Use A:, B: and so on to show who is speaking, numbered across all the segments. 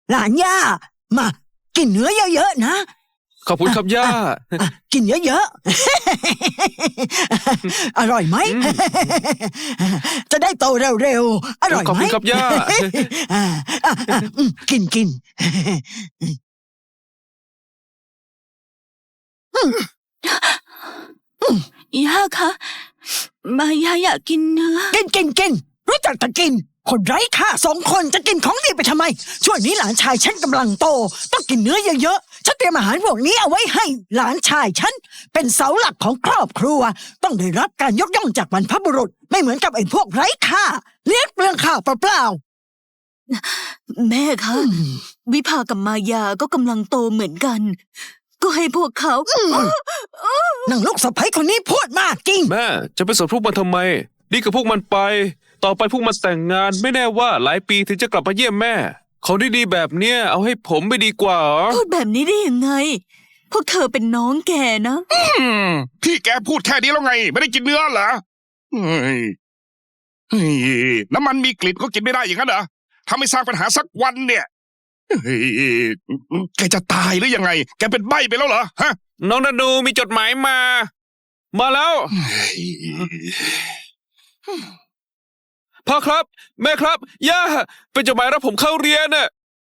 A: หลานย่ามากินเนื้อเยอะๆนะ
B: ขอบคุณครับย่า
A: กินเยอะๆอร่อยไหมจะได้โตเร็วๆอร่อยไหม
B: ขอบคุณครับย่า
A: กิน
C: ย่าคะมายาอยากกินเนื้อ
A: กินรู้จักแต่กินคนไร้ค่า2 คนจะกินของดีไปทำไมช่วงนี้หลานชายฉันกำลังโตต้องกินเนื้อเยอะๆฉันเตรียมอาหารพวกนี้เอาไว้ให้หลานชายฉันเป็นเสาหลักของครอบครัวต้องได้รับการยกย่องจากบรรพบุรุษไม่เหมือนกับไอ้พวกไร้ค่าเลี้ยงเปลืองข้าวเปล่า
C: แม่คะวิภากับมายาก็กำลังโตเหมือนกันก็ให้พวกเขา
A: นางลูกสะใภ้คนนี้พูดมากจริง
B: แม่จะไปสนพวกมันทำไมดีกับพวกมันไปต่อไปพวกมันแต่งงานไม่แน่ว่าหลายปีถึงจะกลับมาเยี่ยมแม่ของดีๆแบบเนี้ยเอาให้ผมไม่ดีกว่า
C: พูดแบบนี้ได้ยังไงพวกเธอเป็นน้องแกนะ
D: พี่แกพูดแค่นี้แล้วไงไม่ได้กินเนื้อเหรอน้ำมันมีกลิ่นก็กินไม่ได้อย่างนั้นเหรอถ้าไม่สร้างปัญหาสักวันเนี่ยแกจะตายหรือยังไงแกเป็นใบ้ไปแล้วเหรอฮะ
B: น้องนานูมีจดหมายมาแล้วพ่อครับแม่ครับย่าเป็นจดหมายรับผมเข้าเรียนน่ะ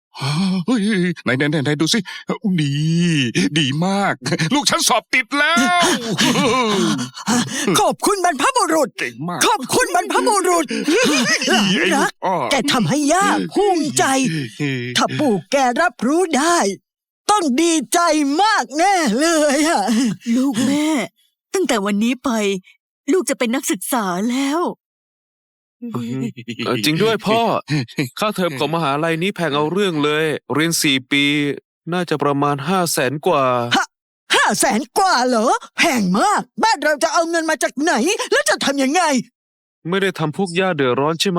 D: ไหนดูสิดีมากลูกฉันสอบติดแล้ว
A: ขอบคุณบรรพบุรุษขอบคุณบรรพบุรุษรักแกทำให้ย่าภูมิใจถ้าปู่แกรับรู้ได้ต้องดีใจมากแน่เลยอะ
C: ลูกแม่ตั้งแต่วันนี้ไปลูกจะเป็นนักศึกษาแล้ว
B: จริงด้วยพ่อค่าเทอมของมหาลัยนี้แพงเอาเรื่องเลยเรียน4 ปีน่าจะประมาณ500,000 กว่า
A: 500,000 กว่าเหรอแพงมากบ้านเราจะเอาเงินมาจากไหนแล้วจะทำยังไง
B: ไม่ได้ทำพวกย่าเดือดร้อนใช่ไหม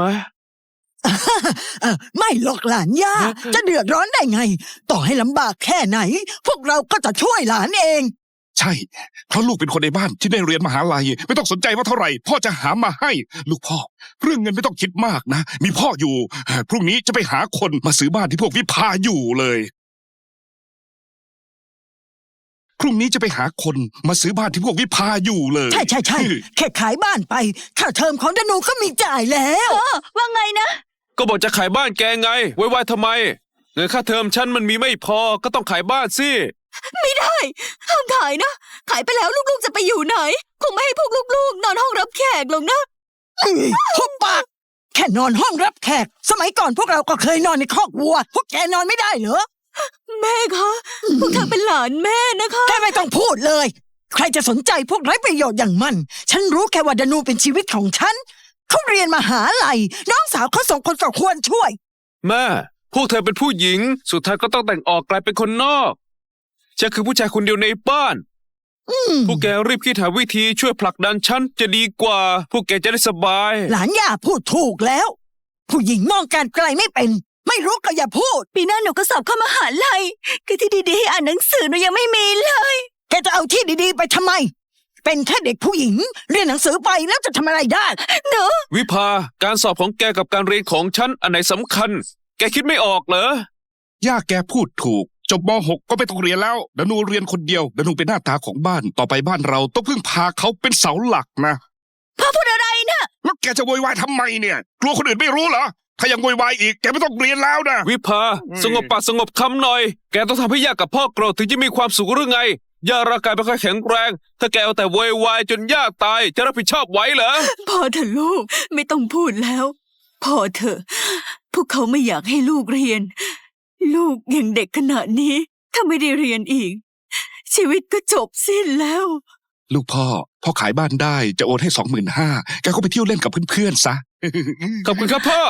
A: ไม่หรอกหลานย่าจะเดือดร้อนได้ไงต่อให้ลำบากแค่ไหนพวกเราก็จะช่วยหลานเอง
D: ใช่เพราะลูกเป็นคนในบ้านที่ได้เรียนมหาลัยไม่ต้องสนใจว่าเท่าไหร่พ่อจะหามาให้ลูกพ่อเรื่องเงินไม่ต้องคิดมากนะมีพ่ออยู่พรุ่งนี้จะไปหาคนมาซื้อบ้านที่พวกวิภาอยู่เลยพรุ่งนี้จะไปหาคนมาซื้อบ้านที่พวกวิภาอยู่เลย
A: ใช่แค่ขายบ้านไปค่าเทอมของดนูก็มีจ่ายแล้ว
C: ว่าไงนะ
B: ก็บอกจะขายบ้านแกไงไว้ทำไมเงินค่าเทอมฉันมันมีไม่พอก็ต้องขายบ้านสิ
C: ไม่ได้ห้ามขายนะขายไปแล้วลูกๆจะไปอยู่ไหนคงไม่ให้พวกลูกๆนอนห้องรับแขกหรอกนะ
A: หุบปากแค่นอนห้องรับแขกสมัยก่อนพวกเราก็เคยนอนในคอกวัวพวกแกนอนไม่ได้เหรอ
C: แม่คะพวกเธอเป็นหลานแม่นะคะ
A: แกไม่ต้องพูดเลยใครจะสนใจพวกไร้ประโยชน์อย่างมันฉันรู้แค่ว่าดนูเป็นชีวิตของฉันเขาเรียนมหาลัยน้องสาวเขา2 คนก็ควรช่วย
B: แม่พวกเธอเป็นผู้หญิงสุดท้ายก็ต้องแต่งออกกลายเป็นคนนอกฉันคือผู้ชายคนเดียวในบ้านพวกแกรีบคิดหาวิธีช่วยผลักดันฉันจะดีกว่าพวกแกจะได้สบาย
A: หลานย่าพูดถูกแล้วผู้หญิงมองการไกลไม่เป็นไม่รู้ก็อย่าพูด
C: ปีหน้าหนูก็สอบเข้ามหาลัยคือที่ดีๆให้อ่านหนังสือหนูยังไม่มีเลย
A: แกจะเอาที่ดีๆไปทำไมเป็นแค่เด็กผู้หญิงเรียนหนังสือไปแล้วจะทำอะไรได้
C: หนู
B: วิภาการสอบของแกกับการเรียนของฉันอันไหนสำคัญแกคิดไม่ออกเหร
D: อย่าแกพูดถูกจบม.6 ก็ไม่ต้องเรียนแล้วดนูเรียนคนเดียวดนูเป็นหน้าตาของบ้านต่อไปบ้านเราต้องพึ่งพาเขาเป็นเสาหลักนะ
C: พ่อพูดอะไรนะ
D: แล้วแกจะโวยวายทำไมเนี่ยกลัวคนอื่นไม่รู้เหรอถ้ายังโวยวายอีกแกไม่ต้องเรียนแล้วนะ
B: วิภาสงบปากสงบคำหน่อยแกต้องทำให้ย่ากับพ่อโกรธถึงจะมีความสุขหรือไงย่าร่างกายไม่ค่อยแข็งแรงถ้าแกเอาแต่โวยวายจนย่าตายจะรับผิดชอบไหวเหรอ
C: พอเถอะลูกไม่ต้องพูดแล้วพอเถอะพวกเขาไม่อยากให้ลูกเรียนลูกยังเด็กขนาดนี้ถ้าไม่ได้เรียนอีกชีวิตก็จบสิ้นแล้ว
D: ลูกพ่อขายบ้านได้จะโอนให้25,000แกก็ไปเที่ยวเล่นกับเพื่อนๆซะ
B: ขอบคุณครับพ่อ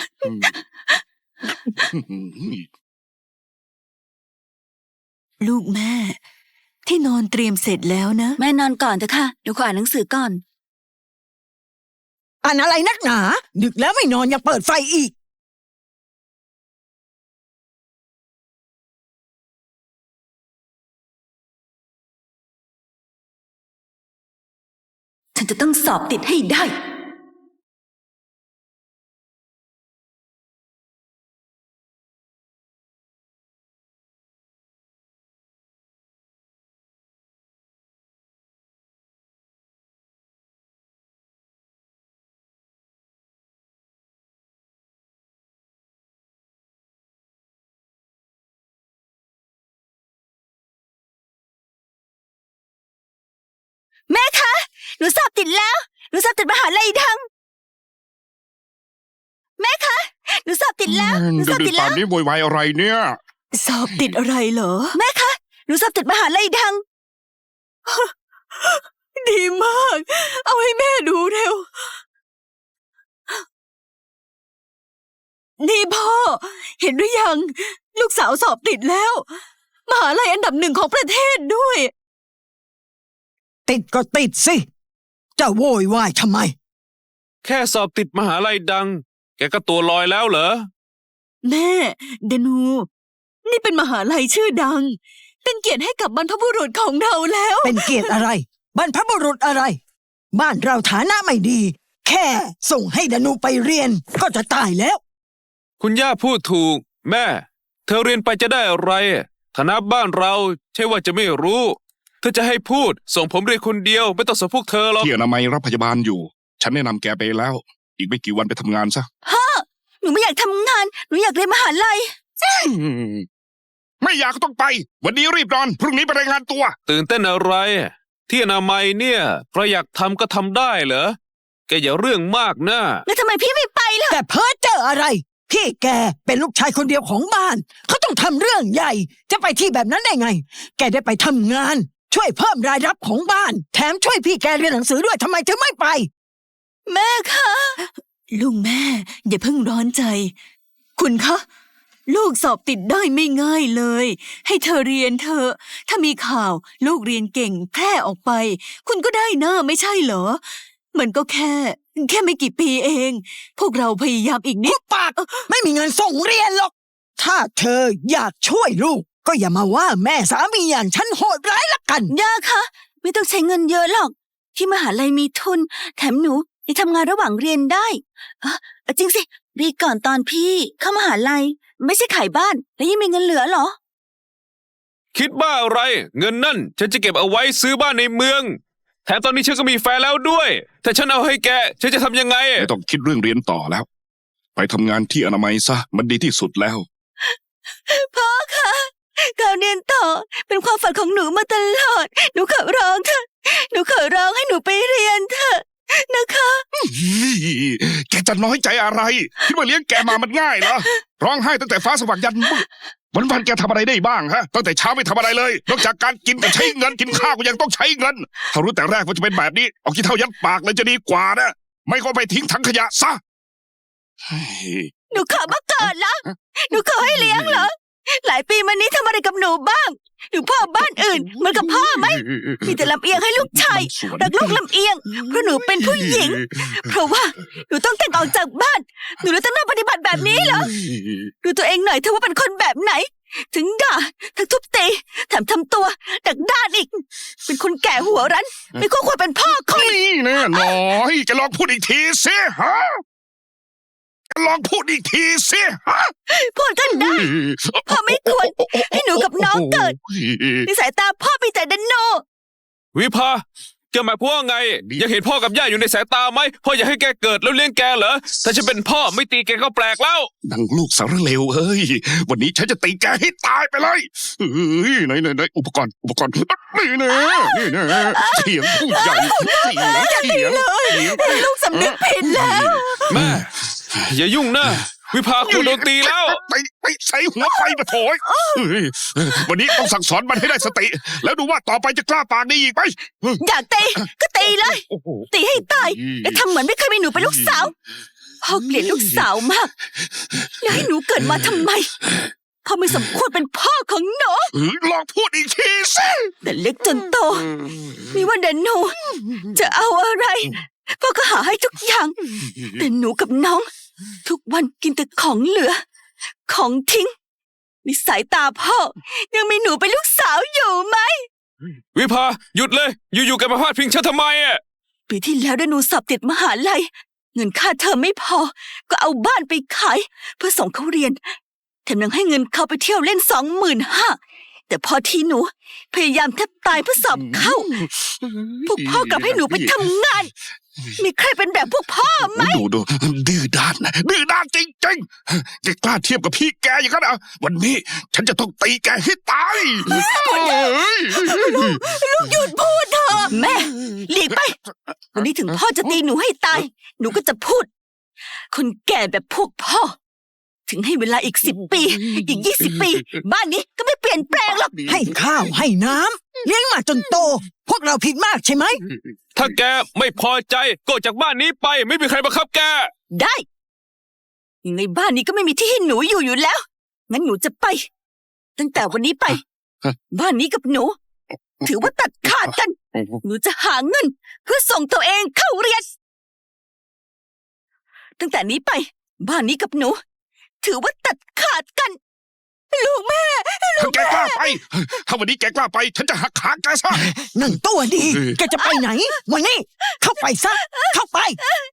C: ลูกแม่ที่นอนเตรียมเสร็จแล้วนะแม่นอนก่อนเถอะค่ะเดี๋ยวขออ่านหนังสือก่อน
A: อ่านอะไรนักหนาดึกแล้วไม่นอนยังเปิดไฟอีก
C: ฉันจะต้องสอบติดให้ได้แม่คะหนูสอบติดแล้วหนูสอบติดมหาลัยดังแม่คะหนูสอบติดแล้วหนูสอบ
D: ดึ
C: ติ
D: ก
C: ด
D: ๆ
C: แล้
D: ป่าน
C: ว
D: นี้โวยวายอะไรเนี่ย
C: สอบติดอะไรเหรอแม่คะหนูสอบติดมหาลัยดัง ดีมาก เอาให้แม่ดูเร็ว นี่พ่อ เห็นหรือยัง ลูกสาวสอบติดแล้ว มหาลัยอันดับ1ของประเทศด้วย
A: ติดก็ติดสิจะโวยวายทำไม
B: แค่สอบติดมหาลัยดัง แกก็ตัวลอยแล้วเหรอ
C: แม่เดนู นี่เป็นมหาลัยชื่อดัง เป็นเกียรติให้กับบรรพบุรุษของเราแล้ว
A: เป็นเกียรติอะไร บรรพบุรุษอะไร บ้านเราฐานะไม่ดี แค่ส่งให้ดนูไปเรียนก็จะตายแล้ว
B: คุณย่าพูดถูก แม่ เธอเรียนไปจะได้อะไรฐานะบ้านเราใช่ว่าจะไม่รู้เธอจะให้พูดส่งผมเรียนคนเดียวไม่ต้องส่งพวกเธอหรอก
D: ที่อนามัยรับพยาบาลอยู่ ฉันแนะนำแกไปแล้ว อีกไม่กี่วันไปทำงานซะ
C: หนูไม่อยากทำงาน หนูอยากเรียนมหาลัย
D: ไม่อยากก็ต้องไป วันนี้รีบนอน พรุ่งนี้ไปรายงานตัว
B: ตื่นเต้นอะไร ที่อนามัยเนี่ยใครอยากทำก็ทำได้เหรอแกอย่าเรื่องมากนะ
C: แล้วทำไมพี่ไม่ไปล่ะ
A: แต่เพ้อเจออะไร พี่แกเป็นลูกชายคนเดียวของบ้าน เขาต้องทำเรื่องใหญ่ จะไปที่แบบนั้นได้ไง แกได้ไปทำงาน ช่วยเพิ่มรายรับของบ้าน แถมช่วยพี่แกเรียนหนังสือด้วยทำไมถึงไม่ไป
C: แม่คะลุงแม่ อย่าเพิ่งร้อนใจ คุณคะ ลูกสอบติดได้ไม่ง่ายเลย ให้เธอเรียนเถอะถ้ามีข่าวลูกเรียนเก่งแพร่ออกไป คุณก็ได้หน้าไม่ใช่เหรอ มันก็แค่ไม่กี่ปีเอง พวกเราพยายามอีกนิ
A: พุ
C: ด
A: บปากไม่มีเงินส่งเรียนหรอก ถ้าเธออยากช่วยลูก ก็อย่ามาว่าแม่สามีอย่างฉันโหดร้ายละกัน
C: ย่าคะไม่ต้องใช้เงินเยอะหรอก ที่มหาลัยมีทุน แถมหนูยังทำงานระหว่างเรียนได้จริงสิปีก่อนตอนพี่เข้ามหาลัย ไม่ใช่ขายบ้าน แล้วยังมีเงินเหลือเหรอ
B: คิดบ้าอะไร เงินนั่นฉันจะเก็บเอาไว้ซื้อบ้านในเมือง แถมตอนนี้ฉันก็มีแฟนแล้วด้วย ถ้าฉันเอาให้แกฉันจะทำยังไง
D: ไม่ต้องคิดเรื่องเรียนต่อแล้ว ไปทำงานที่อนามัยซะ มันดีที่สุดแล้ว
C: พ่อคะการเรียนต่อเป็นความฝันของหนูมาตลอด หนูขอร้องเถอะหนูขอร้องให้หนูไปเรียนเถอะนะคะ
D: แกจะน้อยใจอะไรที่มาเลี้ยงแกมามันง่ายเหรอ ร้องไห้ตั้งแต่ฟ้าสว่างยันมืดวันๆแกทำอะไรได้บ้างฮะ ตั้งแต่เช้าไม่ทำอะไรเลย นอกจากการกินกับใช้เงินกินข้าวก็ยังต้องใช้เงิน ถ้ารู้แต่แรกว่าจะเป็นแบบนี้ เอาขี้เท่ายัดปากเลยจะดีกว่านะ ไม่ก็ไปทิ้งถังขยะซะเฮ้ย
C: หนูขอมาก่อนละหนูขอให้เลี้ยงเหรอ หลายปีมานี้ทำอะไรกับหนูบ้าง หนูพ่อบ้านอื่นเหมือนกับพ่อไหม มีแต่ลำเอียงให้ลูกชายรักลูกลำเอียง เพราะหนูเป็นผู้หญิง เพราะว่าหนูต้องแต่งออกจากบ้าน หนูเลยต้องมาปฏิบัติแบบนี้เหรอ ดูตัวเองหน่อยเธอว่าเป็นคนแบบไหน ถึงด่าทั้งทุบตีแถมทำตัวดักด้านอีก เป็นคนแก่หัวรั้น ไม่ควรเป็นพ่อคน
D: นี่แน่น้อยแกลองพูดอีกทีสิฮะแกลองพูดอีกทีสิฮะ
C: พูดกันได้ พ่อไม่ควรให้หนูกับน้องเกิด ในสายตาพ่อมีแต่ดันโน
B: วิภาแกหมายความว่าไง อยากเห็นพ่อกับย่าอยู่ในสายตาไหมพ่ออยากให้แกเกิดแล้วเลี้ยงแกเหรอถ้าฉันเป็นพ่อไม่ตีแกก็แปลกแล้ว
D: ดังลูกสารเลวเอ้ย วันนี้ฉันจะตีแกให้ตายไปเลยเฮ้ยไหนอุปกรณ์นี่นะเสียงผู้ใหญ่เสียง
C: ลูกสำนึกผิดแล้ว
B: แม่ อย่ายุ่งนะวิภาคุณโดนตีแล้ว
D: ไปใส่หัวไฟมาโถยวันนี้ต้องสั่งสอนมันให้ได้สติ แล้วดูว่าต่อไปจะกล้าปากดีอีกไหม
C: อยากตีก็ตีเลย ตีให้ตาย แล้วทำเหมือนไม่เคยมีหนูเป็นลูกสาว พ่อเกลียดลูกสาวมาก แล้วให้หนูเกิดมาทำไม พ่อไม่สมควรเป็นพ่อของหนู
D: ลองพูดอีกทีสิ
C: แต่เล็กจนโตไม่ว่าเดนหนูจะเอาอะไร พ่อก็หาให้ทุกอย่าง แต่หนูกับน้อง ทุกวันกินแต่ของเหลือ ของทิ้งในสายตาพ่อ ยังมีหนูเป็นลูกสาวอยู่ไหม
B: วิภาหยุดเลยอยู่ๆแกมาพาดพิงฉันทำไมอ่ะ
C: ปีที่แล้วได้หนูสอบติดมหาลัย เงินค่าเทอมไม่พอ ก็เอาบ้านไปขาย เพื่อส่งเขาเรียนแถมยังให้เงินเขาไปเที่ยวเล่น25,000แต่แต่พอที่หนู พยายามแทบตายเพื่อสอบเข้า พวกพ่อกลับให้หนูไปทำงาน มีใครเป็นแบบพวกพ่อไหม
D: ดูดื้อด้านนะดื้อด้านจริงๆแกกล้าเทียบกับพี่แกอย่างนั้นอ่ะวันนี้ฉันจะต้องตีแกให้ตาย
C: ลูกหยุดพูดเถอะแม่หลีกไป วันนี้ถึงพ่อจะตีหนูให้ตาย หนูก็จะพูด คนแก่แบบพวกพ่อ ถึงให้เวลาอีก10 ปี อีก20 ปี บ้านนี้ก็ไม่เปลี่ยนแปลงหรอก
A: ให้ข้าวให้น้ำเลี้ยงมาจนโต พวกเราผิดมากใช่ไหม
B: ถ้าแกไม่พอใจก็ออกจากบ้านนี้ไป ไม่มีใครบังคับแก
C: ได้ยังไงบ้านนี้ก็ไม่มีที่ให้หนูอยู่แล้ว งั้นหนูจะไป ตั้งแต่วันนี้ไป บ้านนี้กับหนู ถือว่าตัดขาดกัน หนูจะหาเงิน เพื่อส่งตัวเองเข้าเรียน ตั้งแต่นี้ไป บ้านนี้กับหนู ถือว่าตัดขาดกัน ลูกแม่
D: ถ้าแกกล้าไป ถ้าวันนี้แกกล้าไป ฉันจะหักขาแกซะ
A: นั่งตัวดี แกจะไปไหน วันนี้ เข้าไปซะ เข้าไป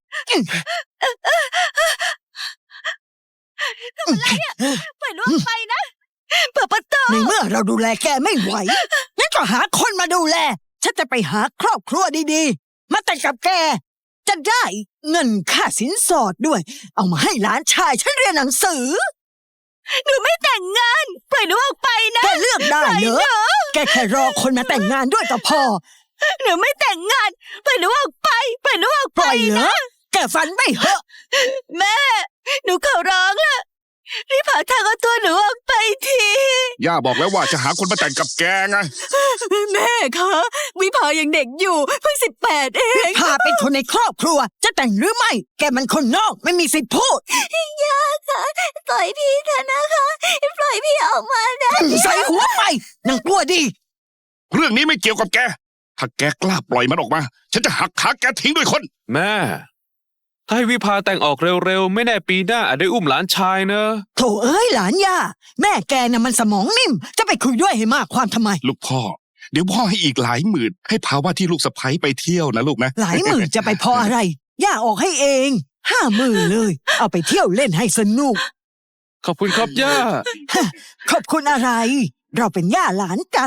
C: ปล่อยลูกไปนะเปิดประตู
A: ในเมื่อเราดูแลแกไม่ไหว งั้นก็หาคนมาดูแล ฉันจะไปหาครอบครัวดีๆ มาแต่งกับแก จะได้เงินค่าสินสอดด้วย เอามาให้หลานชายฉันเรียนหนังสือ
C: หนูไม่แต่งงาน ปล่อยหนูออกไปนะ
A: แกเลือกได้เหรอ แกแค่รอคนมาแต่งงานด้วยก็พอ
C: หนูไม่แต่งงาน ปล่อยหนูออกไป ปล่อยหนูออก
A: ป
C: ไป
A: ล่อยเหรอ แกฝันไม่เหอะ
C: แม่ หนูขอร้องล่ะรีบหาทางเอาตัวหนูออกไปที
D: ย่าบอกแล้วว่าจะหาคนมาแต่งกับแกไง
C: แม่คะวิภายังเด็กอยู่เพิ่ง18เอง
A: พาเป็นคนในครอบครัว จะแต่งหรือไม่ แกมันคนนอกไม่มีสิทธิ์พูด
C: ย่าคะปล่อยพี่เถอะนะคะปล่อยพี่ออกมานะ
A: ใส่หัวไปนางกลัวดี
D: เรื่องนี้ไม่เกี่ยวกับแก ถ้าแกกล้าปล่อยมันออกมา ฉันจะหักขาแกทิ้งด้วยคน
B: แม่ ถ้าให้วิภาแต่งออกเร็วๆ ไม่แน่ปีหน้าอาจได้อุ้มหลานชายเนอะ
A: โถเอ้ยหลานย่า แม่แกน่ะมันสมองนิ่ม จะไปคุยด้วยให้มากความทำไม
D: ลูกพ่อ เดี๋ยวพ่อให้อีกหลายหมื่นให้พาว่าที่ลูกสะใภ้ไปเที่ยวนะลูกนะ
A: หลายหมื่นจะไปพออะไร ย่าออกให้เอง50,000เลย เอาไปเที่ยวเล่นให้สนุก
B: ขอบคุณครับย่า
A: ขอบคุณอะไร เราเป็นย่าหลานกัน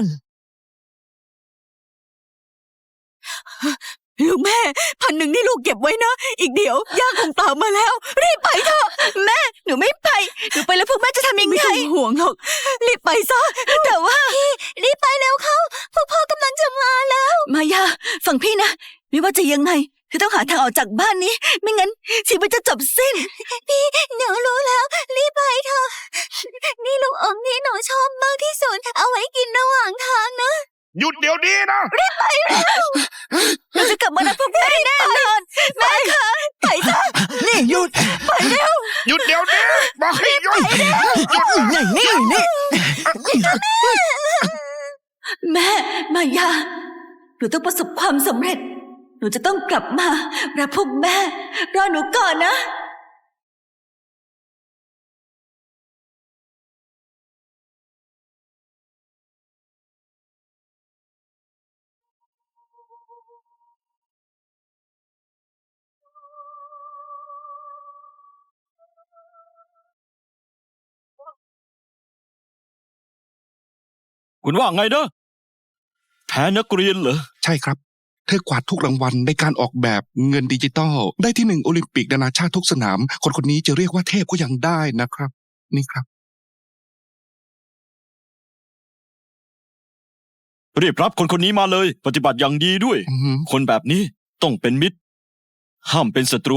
C: ลูกแม่1,000นี่ลูกเก็บไว้นะ อีกเดี๋ยวย่าคงตามมาแล้ว รีบไปเถอะแม่หนูไม่ไปหนูไปแล้วพวกแม่จะทำยังไงไม่ต้องห่วงหรอกรีบไปซะแต่ว่าพี่รีบไปแล้วเขาพวกพ่อกำลังจะมาแล้ว มายาฟังพี่นะไม่ว่าจะยังไงคือต้องหาทางออกจากบ้านนี้ ไม่งั้นชีวิตจะจบสิ้น พี่หนูรู้แล้วรีบไปเถอะนี่ลูกอมที่หนูชอบมากที่สุดเอาไว้กินระหว่างทางนะ
D: หยุดเดี๋ยวนี้นะ
C: หนูจะกลับมารับพวกแม่แน่นอนแม่คะไปซะ
A: นี่หยุด
D: หยุดเดี๋ยวนี้บอกให้หยุด
A: นี่
C: แม่มายาหนูต้องประสบความสำเร็จ หนูจะต้องกลับมารับพวกแม่รอหนูก่อนนะ
E: คุณว่าไงนะแพ้นักเรียนเหรอ
D: ใช่ครับ เธอกวาดทุกรางวัลในการออกแบบเงินดิจิตอลได้ที่1โอลิมปิกนานาชาติทุกสนาม คนนี้จะเรียกว่าเทพก็ยังได้นะครับ นี่ครับ
E: รีบรับคนนี้มาเลย ปฏิบัติอย่างดีด้วย
D: อื้อหือ
E: คนแบบนี้ต้องเป็นมิตร ห้ามเป็นศัตรู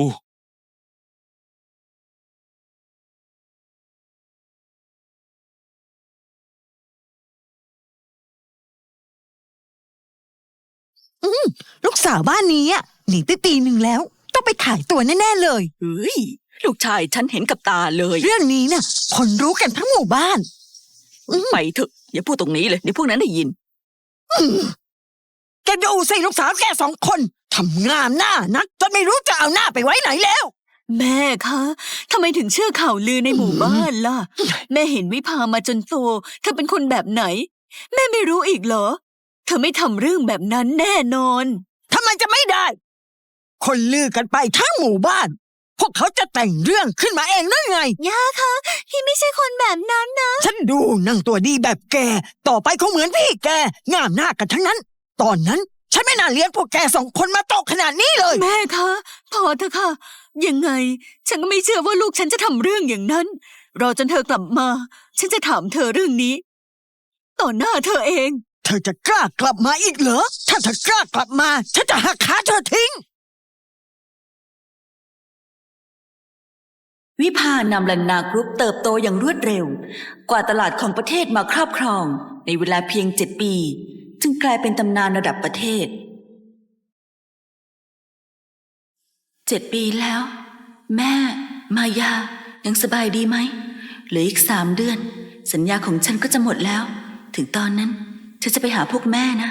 A: ลูกสาวบ้านนี้อะหนีไปปีหนึ่งแล้ว ต้องไปขายตัวแน่ๆเลย
C: เฮ้ยลูกชายฉันเห็นกับตาเลย
A: เรื่องนี้น่ะ คนรู้กันทั้งหมู่บ้าน
C: ไปเถอะอย่าพูดตรงนี้เลยเดี๋ยวพวกนั้นได้ยิน
A: แกดูสิลูกสาวแก2 คนทำงามหน้านักจนไม่รู้จะเอาหน้าไปไว้ไหนแล้ว
C: แม่คะทำไมถึงเชื่อข่าวลือในหมู่บ้านล่ะ แม่เห็นวิภามาจนโตเธอเป็นคนแบบไหน แม่ไม่รู้อีกเหรอ เธอไม่ทำเรื่องแบบนั้นแน่นอน
A: ทำไมจะไม่ได้ คนลือกันไปทั้งหมู่บ้านพวกเขาจะแต่งเรื่องขึ้นมาเองหรือไง
C: ย่าคะพี่ไม่ใช่คนแบบนั้นนะ
A: ฉันดูนางตัวดีแบบแก ต่อไปคงเหมือนพี่แก งามหน้ากันทั้งนั้น ตอนนั้นฉันไม่น่าเลี้ยงพวกแกสองคนมาโตขนาดนี้เลย
C: แม่คะพอเถอะค่ะ ยังไง ฉันก็ไม่เชื่อว่าลูกฉันจะทำเรื่องอย่างนั้น รอจนเธอกลับมา ฉันจะถามเธอเรื่องนี้ ต่อหน้าเธอเอง
A: เธอจะกล้ากลับมาอีกเหรอ ถ้าเธอกล้ากลับมา ฉันจะหักขาเธอทิ้ง
F: วิภานำลันนากรุ๊ปเติบโตอย่างรวดเร็ว กว่าตลาดของประเทศมาครอบครอง ในเวลาเพียง7 ปีจึงกลายเป็นตำนานระดับประเทศ 7 ปีแล้ว แม่ มายายังสบายดีไหมเหลืออีก3 เดือน สัญญาของฉันก็จะหมดแล้ว ถึงตอนนั้นฉันจะไปหาพวกแม่นะ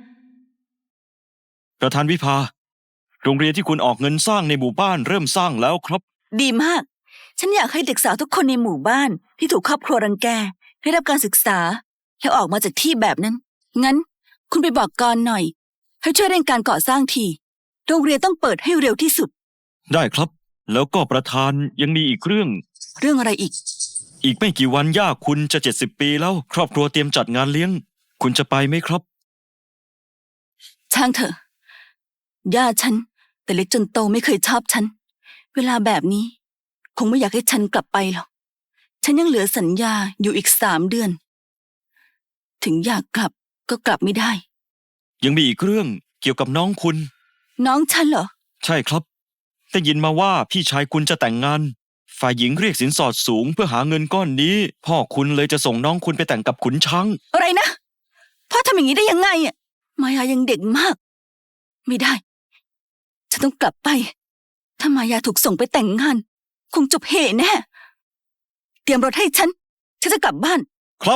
E: ประธานวิภา โรงเรียนที่คุณออกเงินสร้างในหมู่บ้านเริ่มสร้างแล้วครับ
F: ดีมาก ฉันอยากให้เด็กสาวทุกคนในหมู่บ้านที่ถูกครอบครัวรังแกได้รับการศึกษาแล้วออกมาจากที่แบบนั้น งั้น คุณไปบอกกรหน่อย ให้ช่วยเร่งการก่อสร้างที โรงเรียนต้องเปิดให้เร็วที่สุด
E: ได้ครับ แล้วก็ประธานยังมีอีกเรื่อง
F: เรื่องอะไรอีก
E: อีกไม่กี่วันย่าคุณจะ70 ปีแล้ว ครอบครัวเตรียมจัดงานเลี้ยง คุณจะไปไหมครับ
F: ช่างเถอะย่าฉันแต่เล็กจนโตไม่เคยชอบฉัน เวลาแบบนี้ คงไม่อยากให้ฉันกลับไปหรอก ฉันยังเหลือสัญญาอยู่อีก3 เดือน ถึงอยากกลับก็กลับไม่ได้
E: ยังมีอีกเรื่องเกี่ยวกับน้องคุณ
F: น้องฉันเหรอ
E: ใช่ครับได้ยินมาว่าพี่ชายคุณจะแต่งงาน ฝ่ายหญิงเรียกสินสอดสูงเพื่อหาเงินก้อนนี้ พ่อคุณเลยจะส่งน้องคุณไปแต่งกับขุนช้าง
F: อะไรนะพ่อทำอย่างนี้ได้ยังไงอ่ะมายายังเด็กมาก ไม่ได้ ฉันต้องกลับไป ถ้ามายาถูกส่งไปแต่งงาน คงจบเหแน่ เตรียมรถให้ฉันจะกลับบ้าน
E: ครับ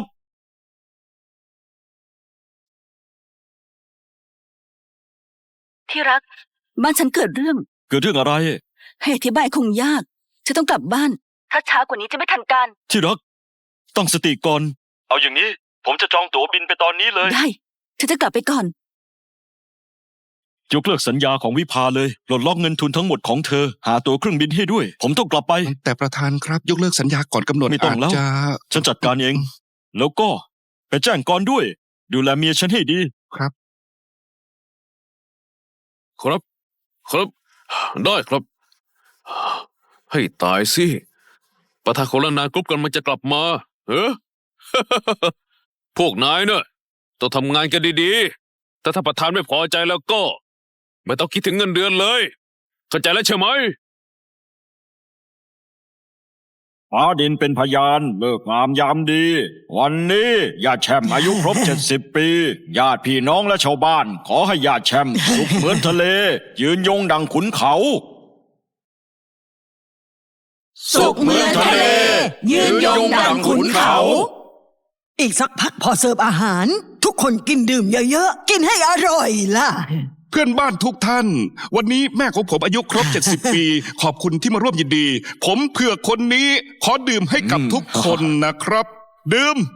F: ที่รัก บ้านฉันเกิดเรื่อง
E: เกิดเรื่องอะไร
F: ให้อธิบายคงยากฉันต้องกลับบ้าน ถ้าช้ากว่านี้จะไม่ทันการ
E: ที่รักตั้งสติก่อน เอาอย่างนี้ ผมจะจองตั๋วบินไปตอนนี้เลย
F: ได้ฉันจะกลับไปก่อน
E: ยกเลิกสัญญาของวิภาเลยปลดล็อกเงินทุนทั้งหมดของเธอ หาตั๋วเครื่องบินให้ด้วย ผมต้องกลับไป
D: แต่ประธานครับยกเลิกสัญญาก่อนกำหนด
E: ไม่ต้องแล้ว
D: าจจะ
E: ฉันจัดการเอง แล้วก็ไปแจ้งกรด้วย ดูแลเมียฉันให้ดี
D: ครับ
B: ครับ ครับ ได้ครับ ให้ตายสิประธานคนละนานกรุ๊ปกันมันจะกลับมาเออ พวกนายเนอะต้องทำงานกันดีๆแต่ถ้าประธานไม่พอใจแล้วก็ ไม่ต้องคิดถึงเงินเดือนเลย เข้าใจแล้วใช่ไหม
E: ฟ้าดินเป็นพยานเลิกงามยามดี วันนี้ญาติแช่มอายุครบ 70 ปี ญาติพี่น้องและชาวบ้าน ขอให้ญาติแช่มสุขเหมือนทะเล ยืนยงดังขุนเขา
A: สุขเหมือนทะเลยืนยงดังขุนเขา อีกสักพักพอเสิร์ฟอาหาร ทุกคนกินดื่มเยอะๆ กินให้อร่อยล่ะ
D: เพื่อนบ้านทุกท่าน วันนี้แม่ของผมอายุครบ 70 ปี ขอบคุณที่มาร่วมยินดี ผมเพื่อคนนี้ขอดื่มให้กับทุกคนนะครับ ดื่ม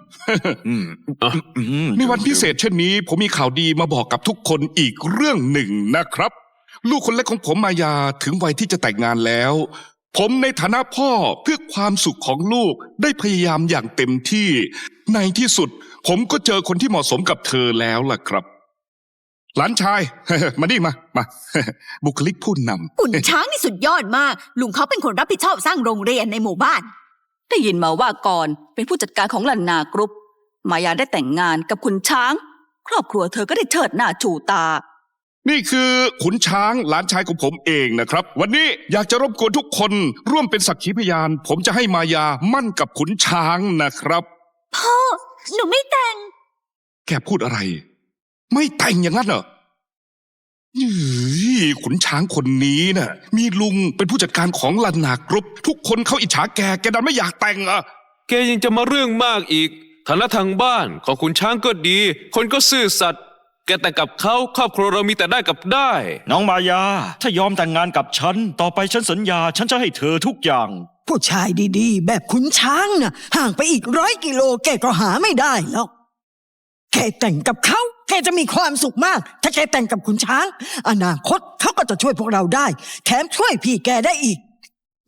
D: ในวันพิเศษเช่นนี้ ผมมีข่าวดีมาบอกกับทุกคนอีกเรื่องหนึ่งนะครับ ลูกคนเล็กของผมมายาถึงวัยที่จะแต่งงานแล้ว ผมในฐานะพ่อเพื่อความสุขของลูกได้พยายามอย่างเต็มที่ ในที่สุด ผมก็เจอคนที่เหมาะสมกับเธอแล้วล่ะครับ หลานชาย มานี่มา บุคลิกผู้นำ
C: ขุนช้างนี่สุดยอดมาก ลุงเขาเป็นคนรับผิดชอบสร้างโรงเรียนในหมู่บ้าน
F: ได้ยินมาว่าก่อนเป็นผู้จัดการของลันนากรุ๊ป มายาได้แต่งงานกับขุนช้าง ครอบครัวเธอก็ได้เชิดหน้าชูตา
D: นี่คือขุนช้างหลานชายของผมเองนะครับ วันนี้อยากจะรบกวนทุกคนร่วมเป็นสักขีพยาน ผมจะให้มายามั่นกับขุนช้างนะครับ
C: พ่อ หนูไม่แต่ง
D: แกพูดอะไร ไม่แต่งอย่างนั้นเหรอขุนช้างคนนี้น่ะ มีลุงเป็นผู้จัดการของลันนากรุ๊ป ทุกคนเขาอิจฉาแกดันไม่อยากแต่งอ่ะ
B: แกยังจะมาเรื่องมากอีกฐานะทางบ้านของคุณช้างก็ดี คนก็ซื่อสัตย์แกแต่งกับเขาครอบครัวเรามีแต่ได้กับได้
E: น้องมายา ถ้ายอมแต่งงานกับฉัน ต่อไปฉันสัญญา ฉันจะให้เธอทุกอย่าง
A: ผู้ชายดีๆ แบบขุนช้างน่ะ ห่างไปอีก100 กิโลแกก็หาไม่ได้หรอกแกแต่งกับเขาแกจะมีความสุขมาก ถ้าแกแต่งกับขุนช้าง อนาคตเขาก็จะช่วยพวกเราได้ แถมช่วยพี่แกได้อีก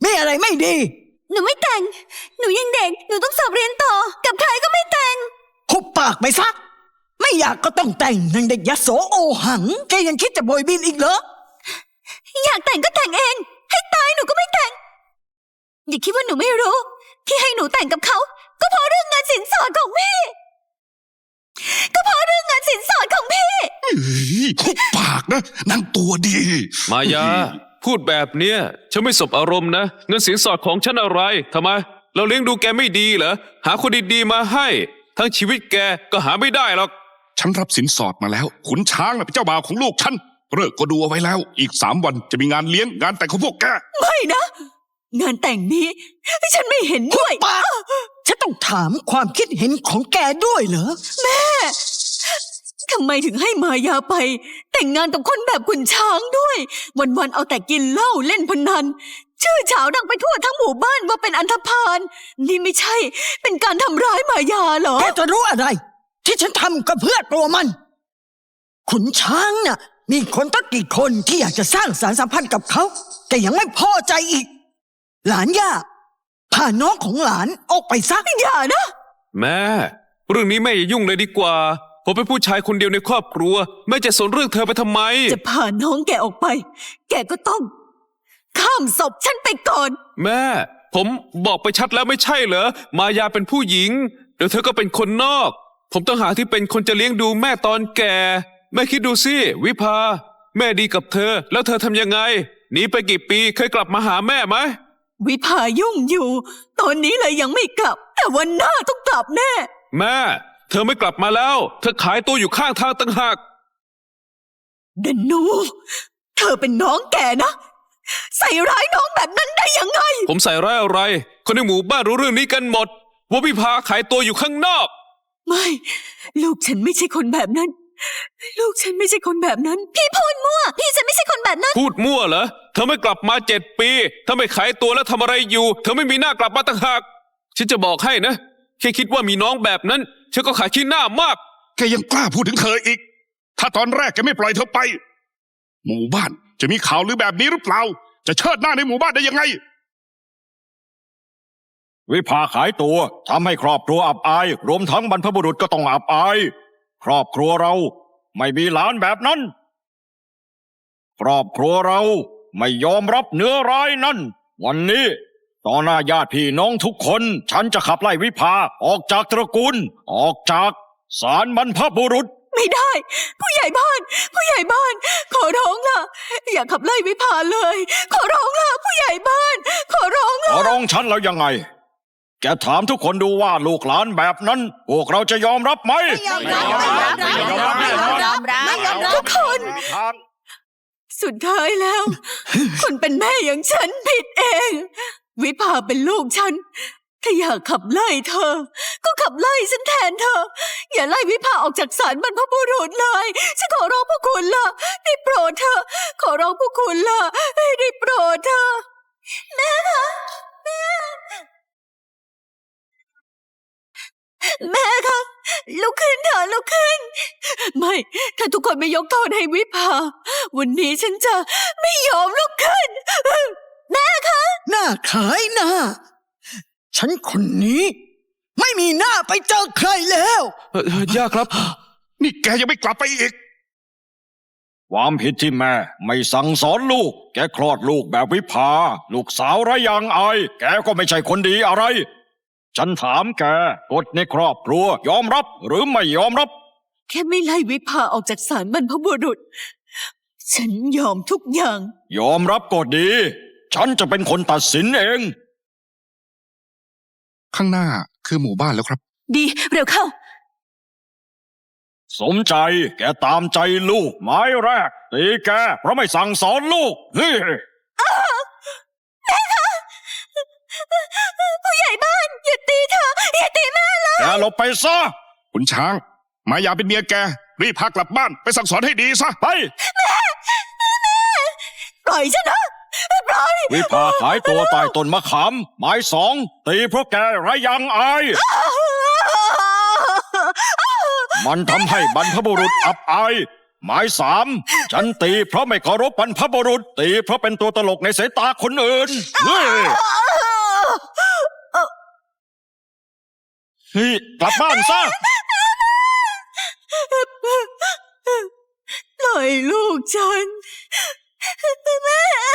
A: มีอะไรไม่ดี
C: หนูไม่แต่ง หนูยังเด็ก หนูต้องสอบเรียนต่อ กับใครก็ไม่แต่ง
A: หุบปากไปซะ ไม่อยากก็ต้องแต่งนางเด็กยโสโอหัง แกยังคิดจะโบยบินอีกเหรอ
C: อยากแต่งก็แต่งเอง ให้ตายหนูก็ไม่แต่ง อย่าคิดว่าหนูไม่รู้ ที่ให้หนูแต่งกับเขา ก็เพราะเรื่องงานสินสอดของพี่ ก็เพราะเรื่องงานสินสอดของพี่
D: หุบปากนะนางตัวดี
B: มายา พูดแบบเนี้ยฉันไม่สบอารมณ์นะ เงินสินสอดของฉันอะไรทำไม เราเลี้ยงดูแกไม่ดีเหรอ หาคนดีๆมาให้ ทั้งชีวิตแกก็หาไม่ได้หรอก
D: ฉันรับสินสอดมาแล้ว ขุนช้างน่ะเป็นเจ้าบ่าวของลูกฉันเลิกก็ดูเอาไว้แล้ว อีก3 วันจะมีงานเลี้ยงงานแต่งของพวกแก
C: ไม่นะ งานแต่งนี้ ฉันไม่เห็นด้วย
A: ปากฉันต้องถามความคิดเห็นของแกด้วยเหรอ
C: ทำไมถึงให้มายาไป แต่งงานกับคนแบบขุนช้างด้วย วันๆเอาแต่กินเหล้าเล่นพนัน ชื่อเฉาดังไปทั่วทั้งหมู่บ้านว่าเป็นอันธพาลนี่ไม่ใช่ เป็นการทำร้ายมายาเหรอ
A: แกจะรู้อะไร ที่ฉันทำก็เพื่อตัวมัน ขุนช้างน่ะ มีคนตั้งกี่คนที่อยากจะสร้างสารสัมพันธ์กับเขา แต่ยังไม่พอใจอีก หลานย่าพาน้องของหลานออกไปซะ
C: อย่านะ
B: แม่ เรื่องนี้แม่อย่ายุ่งเลยดีกว่า ผมเป็นผู้ชายคนเดียวในครอบครัวแม่จะสนเรื่องเธอไปทำไม
C: จะพาน้องแกออกไป แกก็ต้อง ข้ามศพฉันไปก่อน
B: แม่ ผมบอกไปชัดแล้วไม่ใช่เหรอ มายาเป็นผู้หญิง เดี๋ยวเธอก็เป็นคนนอก ผมต้องหาที่เป็นคนจะเลี้ยงดูแม่ตอนแก่ แม่คิดดูสิ วิภา แม่ดีกับเธอ แล้วเธอทำยังไง หนีไปกี่ปีเคยกลับมาหาแม่ไหม
C: วิภายุ่งอยู่ ตอนนี้เลยยังไม่กลับ แต่วันหน้าต้องกลับแน่
B: แม่ เธอไม่กลับมาแล้ว เธอขายตัวอยู่ข้างทางต่างหาก
C: เดนนู เธอเป็นน้องแกนะ ใส่ร้ายน้องแบบนั้นได้ยังไง
B: ผมใส่ร้ายอะไร คนในหมู่บ้านรู้เรื่องนี้กันหมด ว่าวิภาขายตัวอยู่ข้างนอก
C: ไม่ ลูกฉันไม่ใช่คนแบบนั้น ลูกฉันไม่ใช่คนแบบนั้น พี่พูดมั่ว พี่ฉันไม่ใช่คนแบบนั้น
B: พูดมั่วเหรอ เธอไม่กลับมา7 ปี ถ้าไม่ขายตัวแล้วทำอะไรอยู่ เธอไม่มีหน้ากลับมาต่างหาก ฉันจะบอกให้นะ แค่คิดว่ามีน้องแบบนั้นฉันก็ขายขี้หน้ามาก
D: แกยังกล้าพูดถึงเธออีก ถ้าตอนแรกแกไม่ปล่อยเธอไป หมู่บ้านจะมีข่าวลือแบบนี้หรือเปล่า จะเชิดหน้าในหมู่บ้านได้ยังไง
E: วิภาขายตัวทำให้ครอบครัวอับอาย รวมทั้งบรรพบุรุษก็ต้องอับอาย ครอบครัวเราไม่มีหลานแบบนั้น ครอบครัวเราไม่ยอมรับเนื้อร้ายนั่น วันนี้ต่อหน้าญาติพี่น้องทุกคน ฉันจะขับไล่วิภาออกจากตระกูล ออกจากศาลบรรพบุรุษ
C: ไม่ได้ ผู้ใหญ่บ้าน ผู้ใหญ่บ้าน ขอร้องล่ะ อย่าขับไล่วิภาเลย ขอร้องล่ะ ผู้ใหญ่บ้าน ขอร้อง
E: ข
C: ล่ะ
E: อร้องฉันแล้วยังไง แกถามทุกคนดูว่าลูกหลานแบบนั้น พวกเราจะยอมรับไหม
C: ทุกคน สุดท้ายแล้ว คนเป็นแม่อย่างฉันผิดเอง วิภาเป็นลูกฉัน ถ้าอยากขับไล่เธอ ก็ขับไล่ฉันแทนเธอ อย่าไล่วิภาออกจากศาลบรรพบุรุษเลย ฉันขอร้องพวกคุณล่ะ ได้โปรดเธอ ขอร้องพวกคุณล่ะ ได้โปรดเธอ แม่คะแม่ แม่คะลุกขึ้นเถอะลุกขึ้น ไม่ ถ้าทุกคนไม่ยกโทษให้วิภา วันนี้ฉันจะไม่ยอมลุกขึ้น แม่คะ
A: หน้าขายหน้า ฉันคนนี้ ไม่มีหน้าไปเจอใครแล้ว
B: ย่าครับ
D: นี่แกยังไม่กลับไปอีก
E: ความผิดที่แม่ไม่สั่งสอนลูก แกคลอดลูกแบบวิภา ลูกสาวไร้ยางอาย แกก็ไม่ใช่คนดีอะไร ฉันถามแกกฎในครอบครัวยอมรับหรือไม่ยอมรับ
C: แค่ไม่ไล่วิภาออกจากศาลบรรพบุรุษ ฉันยอมทุกอย่าง
E: ยอมรับก็ดี ฉันจะเป็นคนตัดสินเอง
D: ข้างหน้าคือหมู่บ้านแล้วครับ
F: ดีเร็วเข้า
E: สมใจแกตามใจลูกไม้แรกตีแกเพราะไม่สั่งสอนลูกเฮ้ย
C: ผู้ใหญ่บ้านอย่าตีเธออย่าตีแม่เลย
E: แกหลบไปซะ
D: ขุนช้าง มายาเป็นเมียแก รีบพากลับบ้านไปสั่งสอนให้ดีซะ
E: ไป
C: ปล่อยฉันนะปล่อย
E: วิภาขายตัวใต้ต้นมะขาม ไม้2ตีเพราะแกไร้ยางอาย มันทำให้บรรพบุรุษอับอาย ไม้ฉันตีเพราะไม่เคารพบรรพบุรุษ ตีเพราะเป็นตัวตลกในสายตาคนอื่นเฮ้ยเฮ้ยกลับบ้านซะ
C: ปล่อยลูกฉัน แม่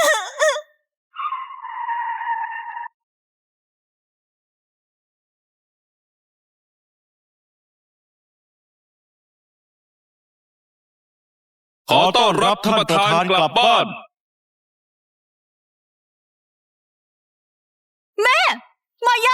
B: ขอต้อนรับท่านประธานกลับบ้าน
C: มาย